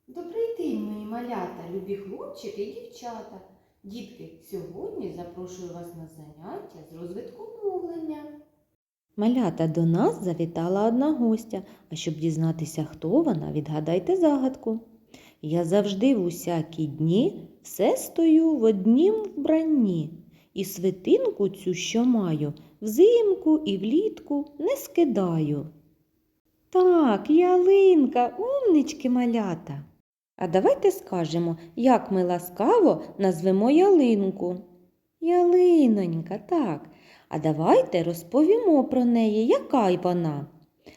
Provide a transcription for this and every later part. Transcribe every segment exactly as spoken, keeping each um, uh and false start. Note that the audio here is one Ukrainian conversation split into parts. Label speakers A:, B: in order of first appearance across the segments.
A: Добрий день, мої малята, любі хлопчики і дівчата. Дітки, сьогодні запрошую вас на заняття з розвитку мовлення.
B: Малята, до нас завітала одна гостя, а щоб дізнатися, хто вона, відгадайте загадку. Я завжди в усякі дні все стою в однім вбранні, і свитинку цю, що маю, взимку і влітку не скидаю. Так, ялинка, умнички, малята. А давайте скажемо, як ми ласкаво назвемо ялинку. Ялинонька, так. А давайте розповімо про неї, яка й вона.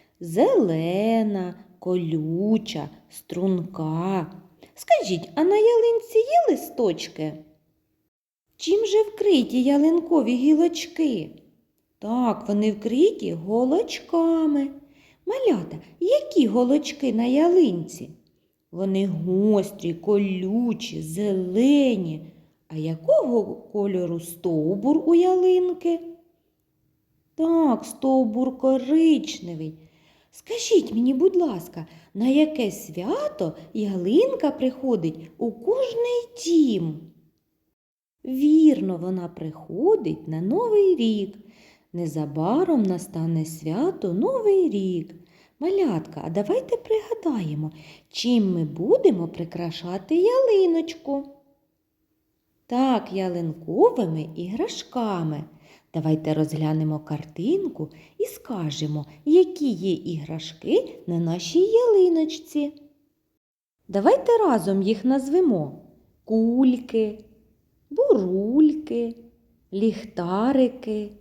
B: Зелена, колюча, струнка. Скажіть, а на ялинці є листочки? Чим же вкриті ялинкові гілочки? Так, вони вкриті голочками. Малята, які голочки на ялинці? Вони гострі, колючі, зелені. А якого кольору стовбур у ялинки? Так, стовбур коричневий. Скажіть мені, будь ласка, на яке свято ялинка приходить у кожний дім? Вірно, вона приходить на Новий рік. Незабаром настане свято Новий рік. Малятка, а давайте пригадаємо, чим ми будемо прикрашати ялиночку. Так, ялинковими іграшками. Давайте розглянемо картинку і скажемо, які є іграшки на нашій ялиночці. Давайте разом їх назвемо: кульки, бурульки, ліхтарики,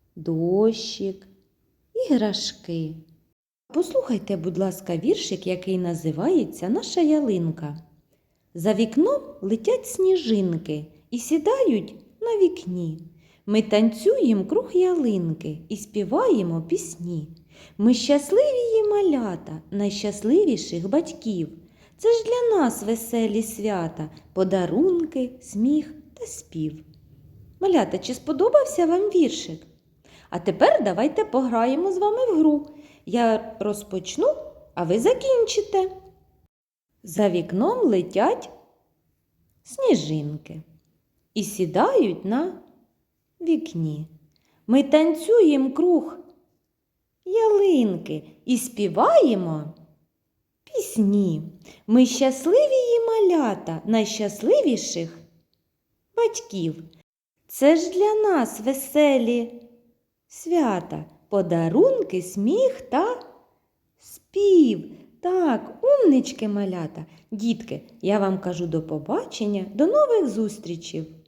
B: дощик, іграшки. Послухайте, будь ласка, віршик, який називається «Наша ялинка». За вікном летять сніжинки і сідають на вікні. Ми танцюємо круг ялинки і співаємо пісні. Ми щасливі її малята, найщасливіших батьків. Це ж для нас веселі свята, подарунки, сміх та спів. Малята, чи сподобався вам віршик? А тепер давайте пограємо з вами в гру. Я розпочну, а ви закінчите. За вікном летять сніжинки і сідають на вікні. Ми танцюємо круг ялинки і співаємо пісні. Ми щасливі її малята, найщасливіших батьків. Це ж для нас веселі свята, подарунки, сміх та спів. Так, умнички, малята. Дітки, я вам кажу до побачення, до нових зустрічей.